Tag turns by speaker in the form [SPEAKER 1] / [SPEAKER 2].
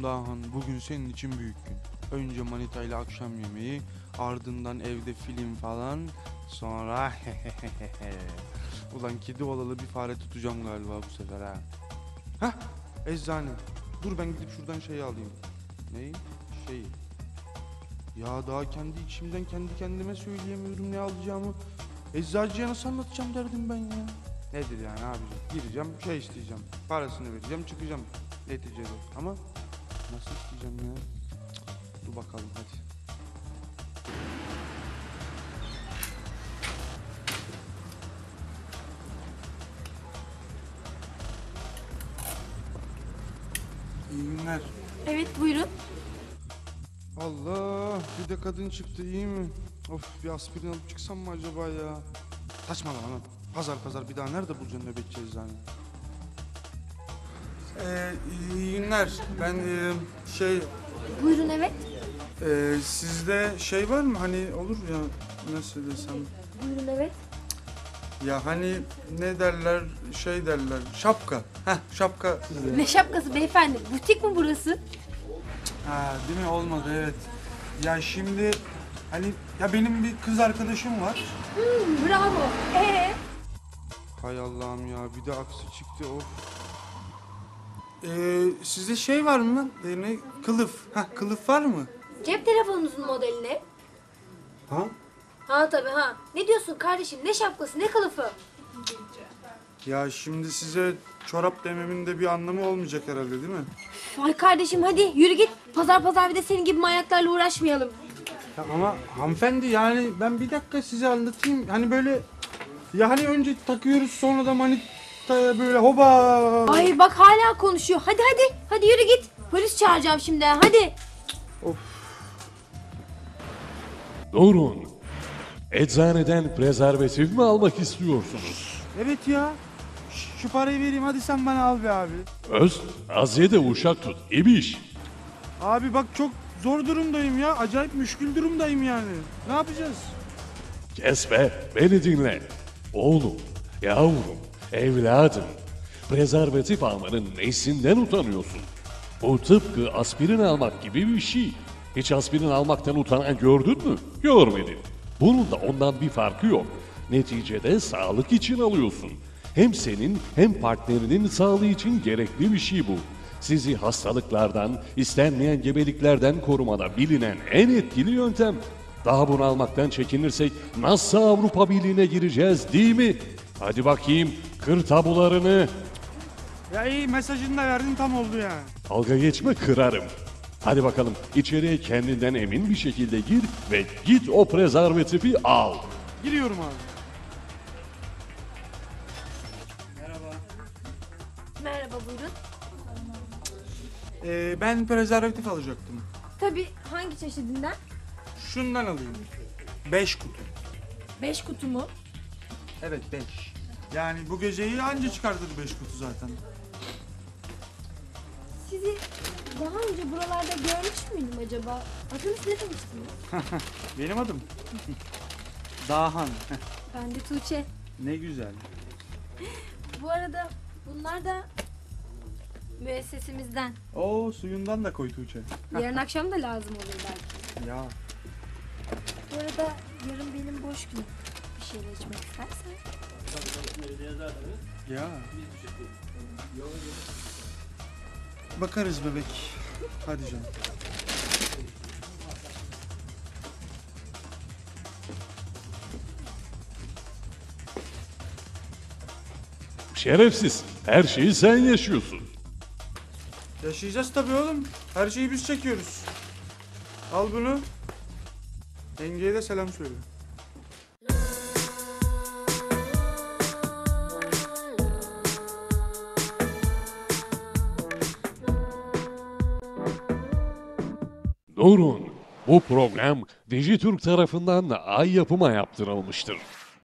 [SPEAKER 1] Dahan, bugün senin için büyük gün. Önce Manita ile akşam yemeği, ardından evde film falan, sonra Ulan kedi olalı bir fare tutacağım galiba bu sefer ha. Hah, eczane. Dur ben gidip şuradan şeyi alayım. Neyi? Şeyi. Ya daha kendi içimden kendi kendime söyleyemiyorum ne alacağımı. Eczacıya nasıl anlatacağım derdim ben ya. Nedir yani abicim? Gireceğim, şey isteyeceğim. Parasını vereceğim, çıkacağım neticede. Ama nasıl isteyeceğim ya? Cık, dur bakalım hadi. İyi günler.
[SPEAKER 2] Evet buyurun.
[SPEAKER 1] Allah, bir de kadın çıktı, iyi mi? Of, bir aspirin alıp çıksam mı acaba ya? Saçmalama lan. Pazar bir daha nerede bulacaksın nöbetçi eczane? İyi günler. Ben
[SPEAKER 2] Buyurun evet.
[SPEAKER 1] sizde şey var mı hani olur ya nasıl desem?
[SPEAKER 2] Buyurun evet.
[SPEAKER 1] Ya hani ne derler şey derler şapka. Heh şapka.
[SPEAKER 2] Ne şapkası beyefendi? Butik mi burası?
[SPEAKER 1] Ha değil mi olmadı evet. Ya şimdi hani ya benim bir kız arkadaşım var.
[SPEAKER 2] Bravo.
[SPEAKER 1] Hay Allah'ım ya bir de aksi çıktı of. Sizde şey var mı? Ne? Kılıf. Heh kılıf var mı?
[SPEAKER 2] Cep telefonunuzun modeli ne?
[SPEAKER 1] Ha?
[SPEAKER 2] Ha tabii ha. Ne diyorsun kardeşim? Ne şapkası ne kılıfı?
[SPEAKER 1] Ya şimdi size çorap dememin de bir anlamı olmayacak herhalde değil mi?
[SPEAKER 2] Ay kardeşim hadi yürü git. Pazar bir de senin gibi manyaklarla uğraşmayalım.
[SPEAKER 1] Ya ama hanımefendi yani ben bir dakika size anlatayım. Hani böyle ya hani önce takıyoruz sonra da manitaya böyle hoba.
[SPEAKER 2] Ay bak hala konuşuyor. Hadi. Hadi yürü git. Polis çağıracağım şimdi hadi.
[SPEAKER 1] Of.
[SPEAKER 3] Durun. Eczaneden prezervatif mi almak istiyorsunuz?
[SPEAKER 1] Evet ya. Şu parayı vereyim hadi sen bana al be abi.
[SPEAKER 3] Öz, az ye de uşak tut. İbiş.
[SPEAKER 1] Abi bak çok zor durumdayım ya. Acayip müşkül durumdayım yani. Ne yapacağız?
[SPEAKER 3] Kes be, beni dinle. Oğlum, yavrum, evladım. Prezervatif almanın nesinden utanıyorsun? Bu tıpkı aspirin almak gibi bir şey. Hiç aspirin almaktan utanan gördün mü? Görmedin. Bunun da ondan bir farkı yok. Neticede sağlık için alıyorsun. Hem senin hem partnerinin sağlığı için gerekli bir şey bu. Sizi hastalıklardan, istenmeyen gebeliklerden korumada bilinen en etkili yöntem. Daha bunu almaktan çekinirsek nasıl Avrupa Birliği'ne gireceğiz değil mi? Hadi bakayım kır tabularını.
[SPEAKER 1] Ya iyi mesajını da verdin tam oldu yani.
[SPEAKER 3] Dalga geçme kırarım. Hadi bakalım içeriye kendinden emin bir şekilde gir ve git o prezervatifi al.
[SPEAKER 1] Giriyorum abi.
[SPEAKER 2] Merhaba buyurun.
[SPEAKER 1] Ben prezervatif alacaktım.
[SPEAKER 2] Tabii hangi çeşidinden?
[SPEAKER 1] Şundan alayım. 5 kutu.
[SPEAKER 2] 5 kutu mu?
[SPEAKER 1] Evet 5. Yani bu geceyi anca çıkartır 5 kutu zaten.
[SPEAKER 2] Sizi daha önce buralarda görmüş müydüm acaba? Adınız ne demiştiniz?
[SPEAKER 1] Benim adım. Dahan.
[SPEAKER 2] Ben de Tuğçe.
[SPEAKER 1] Ne güzel.
[SPEAKER 2] Bu arada bunlar da müessesemizden.
[SPEAKER 1] Oo suyundan da koy Tuğçe.
[SPEAKER 2] Yarın akşam da lazım olur belki.
[SPEAKER 1] Ya.
[SPEAKER 2] Bu arada yarın benim boş günüm. Bir şeyler içmek istersen.
[SPEAKER 1] Ya. Bakarız bebek. Hadi canım.
[SPEAKER 3] Şerefsiz, her şeyi sen yaşıyorsun.
[SPEAKER 1] Yaşayacağız tabii oğlum. Her şeyi biz çekiyoruz. Al bunu. Yengeye de selam söyle.
[SPEAKER 3] Durun, bu program Dijitürk tarafından Ay Yapım'a yaptırılmıştır.